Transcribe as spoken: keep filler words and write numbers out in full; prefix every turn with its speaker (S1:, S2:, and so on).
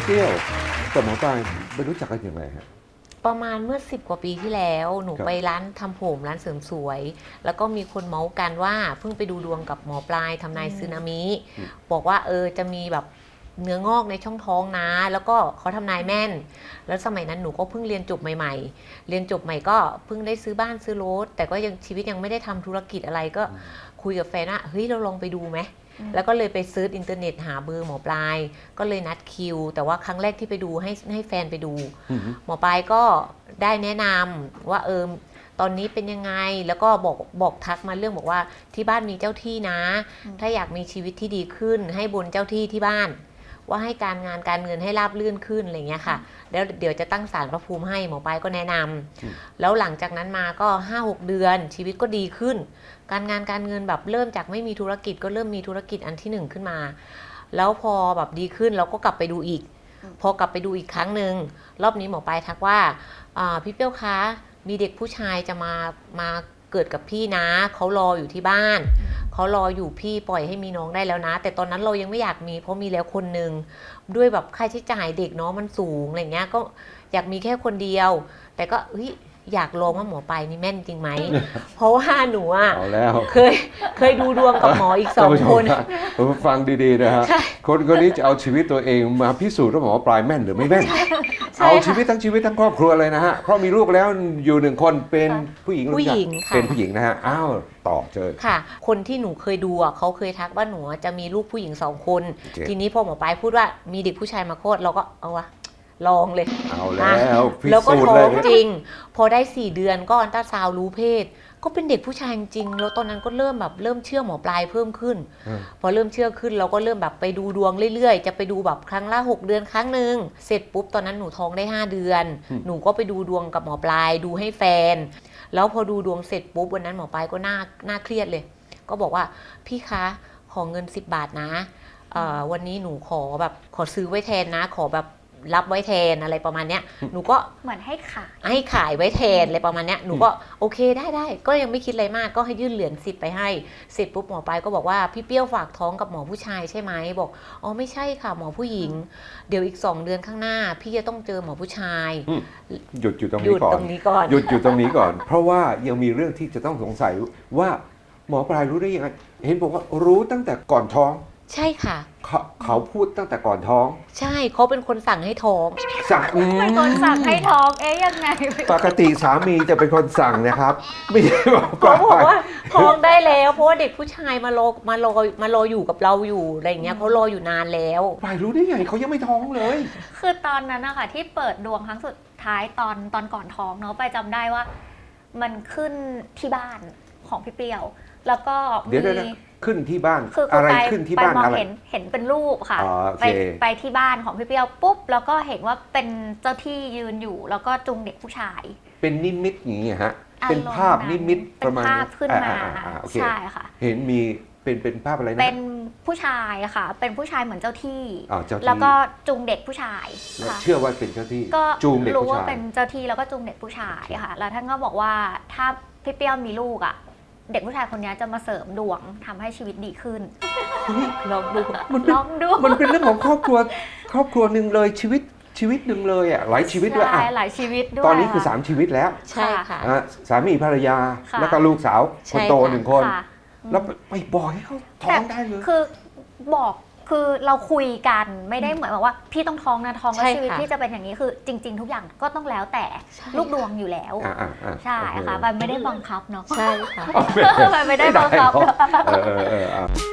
S1: เปรี้ยวกับหมอปลายไปรู้จักกันอย่างไรฮะ
S2: ประมาณเมื่อสิบกว่าปีที่แล้วหนู
S1: ครับ
S2: ไปร้านทำผมร้านเสริมสวย แล้วก็มีคนเมาส์กันว่าเพิ่งไปดูดวงกับหมอปลายทำนายสึนามิบอกว่าเออจะมีแบบเนื้องอกในช่องท้องนะ แล้วก็เขาทำนายแม่น แล้วสมัยนั้นหนูก็เพิ่งเรียนจบใหม่ๆ เรียนจบใหม่ก็เพิ่งได้ซื้อบ้านซื้อรถแต่ก็ยังชีวิตยังไม่ได้ทำธุรกิจอะไรก็คุยกับแฟนว่าเฮ้ยเราลองไปดูไหมแล้วก็เลยไปซื้ออินเทอร์เน็ตหาเบอร์หมอปลายก็เลยนัดคิวแต่ว่าครั้งแรกที่ไปดูให้ให้แฟนไปดูหมอปลายก็ได้แนะนำว่าเออตอนนี้เป็นยังไงแล้วก็บอกบอกทักมาเรื่องบอกว่าที่บ้านมีเจ้าที่นะถ้าอยากมีชีวิตที่ดีขึ้นให้บนเจ้าที่ที่บ้านว่าให้การงานการเงินให้ราบรื่นขึ้นอะไรเงี้ยค่ะแล้วเดี๋ยวจะตั้งศาลพระภูมิให้หมอปลายก็แนะนำแล้วหลังจากนั้นมาก็ ห้าหก เดือนชีวิตก็ดีขึ้นการงานการเงินแบบเริ่มจากไม่มีธุรกิจก็เริ่มมีธุรกิจอันที่หนึ่งขึ้นมาแล้วพอแบบดีขึ้นเราก็กลับไปดูอีกพอกลับไปดูอีกครั้งหนึ่งรอบนี้หมอปลายทักว่าพี่เปี้ยวคะมีเด็กผู้ชายจะมามาเกิดกับพี่นะเขารออยู่ที่บ้านเขารออยู่พี่ปล่อยให้มีน้องได้แล้วนะแต่ตอนนั้นเรายังไม่อยากมีเพราะมีแล้วคนหนึ่งด้วยแบบค่าใช้จ่ายเด็กเนาะมันสูงอะไรเงี้ยก็อยากมีแค่คนเดียวแต่ก็เฮ้ยอยากลองว่าหมอปลายนี่แม่นจริงไหม เพราะว่าหนูอ่ะเคยเคยดูดวงกับหมออีกสองคน
S1: ฟังดีๆนะฮะคนคนนี้จะเอาชีวิตตัวเองมาพิสูจน์ว่าหมอปลายแม่นหรือไม่แม่นเอาชีวิตทั้งชีวิตทั้งครอบครัวเลยนะฮะเพราะมีลูกแล้วอยู่หนึ่งคนเป็นผู้หญิง
S2: ผู้หญิง
S1: เป็นผู้หญิงนะฮะอ้าวต่อเจอ
S2: ค่ะคนที่หนูเคยดูอ่ะเขาเคยทักว่าหนูจะมีลูกผู้หญิงสองคนทีนี้พอหมอปลายพูดว่ามีเด็กผู้ชายมาโคตรเราก็เอาวะลองเลย
S1: เอาแล้ว
S2: แล้วก็ท้องจริงพอได้สี่เดือนก็อัลตราซาวด์รู้เพศก็เป็นเด็กผู้ชายจริงแล้วตอนนั้นก็เริ่มแบบเริ่มเชื่อหมอปลายเพิ่มขึ้นพอเริ่มเชื่อขึ้นเราก็เริ่มแบบไปดูดวงเรื่อยๆจะไปดูแบบครั้งละหกเดือนครั้งหนึ่งเสร็จปุ๊บตอนนั้นหนูท้องได้ห้าเดือนหนูก็ไปดูดวงกับหมอปลายดูให้แฟนแล้วพอดูดวงเสร็จปุ๊บวันนั้นหมอปลายก็น่าน่าเครียดเลยก็บอกว่าพี่คะขอเงินสิบบาทนะวันนี้หนูขอแบบขอซื้อไว้แทนนะขอแบบรับไว้แทนอะไรประมาณเนี้ยหนูก็
S3: เหมือนให้ขาย
S2: ให้ขายไว้แทนอะไรประมาณเนี้ยหนูก็โอเคได้ได้ก็ยังไม่คิดอะไรมากก็ให้ยื่นเหรียญสิบไปให้เสร็จปุ๊บหมอปลายก็บอกว่าพี่เปี้ยวฝากท้องกับหมอผู้ชายใช่ไหมบอกอ๋อไม่ใช่ค่ะหมอผู้หญิงเดี๋ยวอีกสองเดือนข้างหน้าพี่จะต้องเจอหมอผู้ชาย
S1: หยุดอยู่ตรงนี้ก่อนหยุดอยู่ตรงนี้ก่อนเพราะว่ายังมีเรื่องที่จะต้องสงสัยว่าหมอปลายรู้ได้ยังไงเห็นบอกว่ารู้ตั้งแต่ก่อนท้อง
S2: ใช่ค่ะ
S1: เขาเขาพูดตั้งแต่ก่อนท้อง
S2: ใช่เขาเป็นคนสั่งให้ท้อง
S1: สั่ง
S3: เป็นคนสั่งให้ท้องเอ๊ยยังไง
S1: ปกติสามีจะเป็นคนสั่งนะครับไม่ใช่หมอปลาย
S2: เขาบอกว่าท้องได้แล้วเพราะว่าเด็กผู้ชายมารอมารอมารออยู่กับเราอยู่อะไรอย่างเงี้ยเขารออยู่นานแล้ว
S1: ปลายรู้ได้ไงเขายังไม่ท้องเลย
S3: คือตอนนั้นนะคะที่เปิดดวงครั้งสุดท้ายตอนตอนก่อนท้องเนาะไปจำได้ว่ามันขึ้นที่บ้านของพี่เปรี้ยวแล้วก็
S1: มีขึ้นที่บ้านอะไรขึ้นที่บ้านอะไร
S3: เห็นเห็นเป็นรูปค่ะไปไปที่บ้านของพี่เปรี้ยวปุ๊บแล้วก็เห็นว่าเป็นเจ้าที่ยืนอยู่แล้วก็จูงเด็กผู้ชาย
S1: เป็นนิมิตอย่างนี้ฮะเป็นภาพนิมิตประมาณ
S3: ภาพขึ้นมาใช่ค่ะ
S1: เห็นมีเป็นเป็นภาพอะไรนะ
S3: เป็นผู้ชายค่ะเป็นผู้ชายเหมือนเจ้าที่แล้วก็จูงเด็กผู้ชาย
S1: เชื่อว่าเป็นเจ้าที่
S3: ก็
S1: จูงเด็กผู้ชาย
S3: รู้ว่าเป็นเจ้าที่แล้วก็จูงเด็กผู้ชายค่ะแล้วท่านก็บอกว่าถ้าพี่เปรี้ยวมีลูกอ่ะเด็กผู้ชายคนนี้จะมาเสริมดวงทำให้ชีวิตดีขึ้น
S2: ลองดู
S3: ลองดู
S1: มันเป็นเรื่องของครอบครัวครอบครัวหนึ่งเลยชีวิตชีวิตหนึ่งเลยอ่ะหลายชีวิตด้วยอ่ะ
S3: หลายชีวิตด้วย
S1: ตอนนี้คือสามชีวิตแล้ว
S2: ใช่ค่ะ
S1: สามีภรรยาแล้วก็ลูกสาวคนโตหนึ่งคนแล้วไปบอกให้เขาท้องได้เลย
S3: คือบอกคือเราคุยกันไม่ได้เหมือนแบบว่าพี่ต้องท้องนะท้องแล้วชีวิตพี่จะเป็นอย่างนี้คือจริงๆทุกอย่างก็ต้องแล้วแต่ลูกดวงอยู่แล้วใช่ค่ะมันไม่ได้บังคับเนาะ
S2: ใช่ค่ะ
S3: มันไม่ได้บังคับ